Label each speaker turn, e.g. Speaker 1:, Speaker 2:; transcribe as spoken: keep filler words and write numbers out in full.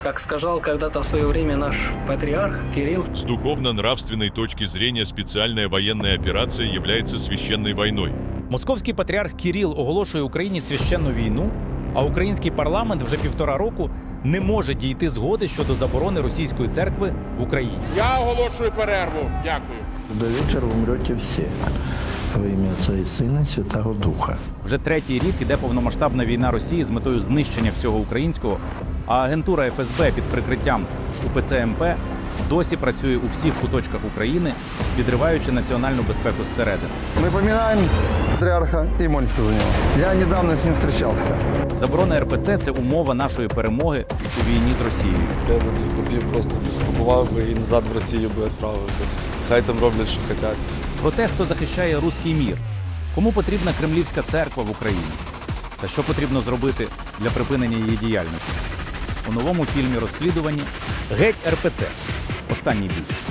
Speaker 1: Как сказал когда-то в свое время наш патриарх Кирилл,
Speaker 2: С духовно-нравственной точки зрения специальная военная операция является священной войной.
Speaker 3: Московський патріарх Кирил оголошує Україні священну війну, а український парламент вже півтора року не може дійти згоди щодо заборони російської церкви в Україні.
Speaker 4: Я оголошую перерву. Дякую.
Speaker 5: До вечора умрете всі. Во ім'я Отця і Сина, і Святого Духа.
Speaker 3: Вже третій рік іде повномасштабна війна Росії з метою знищення всього українського, а агентура еф ес бе під прикриттям у пе це ем пе досі працює у всіх куточках України, підриваючи національну безпеку зсередини.
Speaker 6: Мы поминаем патриарха и молимся за него. Я недавно с ним встречался.
Speaker 3: Заборона ер пе це – це умова нашої перемоги у війні з Росією.
Speaker 7: Я би цих попів просто спакував би і назад в Росію би відправив би. Хай там роблять, що хочуть.
Speaker 3: Про те, хто захищає руський мір, кому потрібна кремлівська церква в Україні, та що потрібно зробити для припинення її діяльності. У новому фільмі розслідуванні «Геть ер пе це. Останній бій».